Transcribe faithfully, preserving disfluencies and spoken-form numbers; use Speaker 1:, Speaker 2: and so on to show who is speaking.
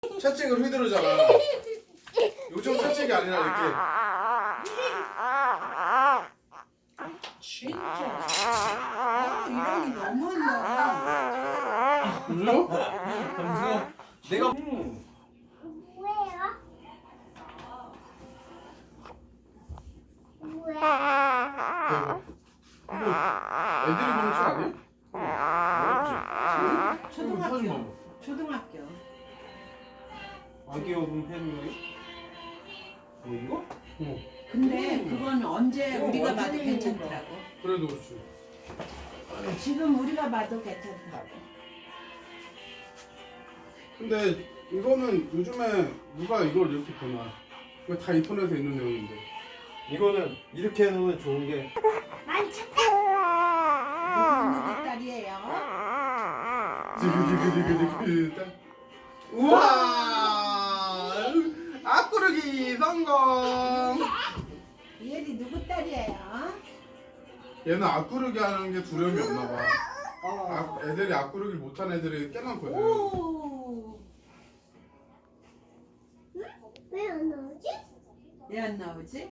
Speaker 1: 채찍을 휘두르잖아. 요즘 채찍이 아니라 이렇게.
Speaker 2: 진짜. 아, 이런이 너무한다.
Speaker 1: 그래요?
Speaker 3: 내가
Speaker 1: 음.
Speaker 4: 뭐예요? 뭐야?
Speaker 1: 이거 애들이 보는 책 아니야?
Speaker 2: 초등학교. 초등학교.
Speaker 3: 아기 여분 팬이에요? 뭐 이거?
Speaker 1: 어.
Speaker 2: 근데 그건 언제
Speaker 3: 이거
Speaker 2: 우리가
Speaker 3: 완전
Speaker 2: 봐도
Speaker 3: 재밌는
Speaker 2: 괜찮더라고.
Speaker 1: 그래도 그렇지.
Speaker 2: 지금 우리가 봐도 괜찮더라고.
Speaker 1: 근데 이거는 요즘에 누가 이걸 이렇게 보나? 이거 다 인터넷에 있는 내용인데.
Speaker 3: 이거는 이렇게 해놓으면 좋은 게
Speaker 4: 만졌다.
Speaker 2: 누구 딸이에요?
Speaker 1: 디그디그디그디그. 우와! 앞구르기 성공!
Speaker 2: 이엘이 누구 딸이에요?
Speaker 1: 얘는 앞구르기 하는 게 두려움이 없나 봐.
Speaker 2: 어.
Speaker 1: 아, 애들이 앞구르기 못하는 애들이 꽤 많거든.
Speaker 2: 오.
Speaker 4: 왜 안 나오지?
Speaker 2: 왜 안 나오지?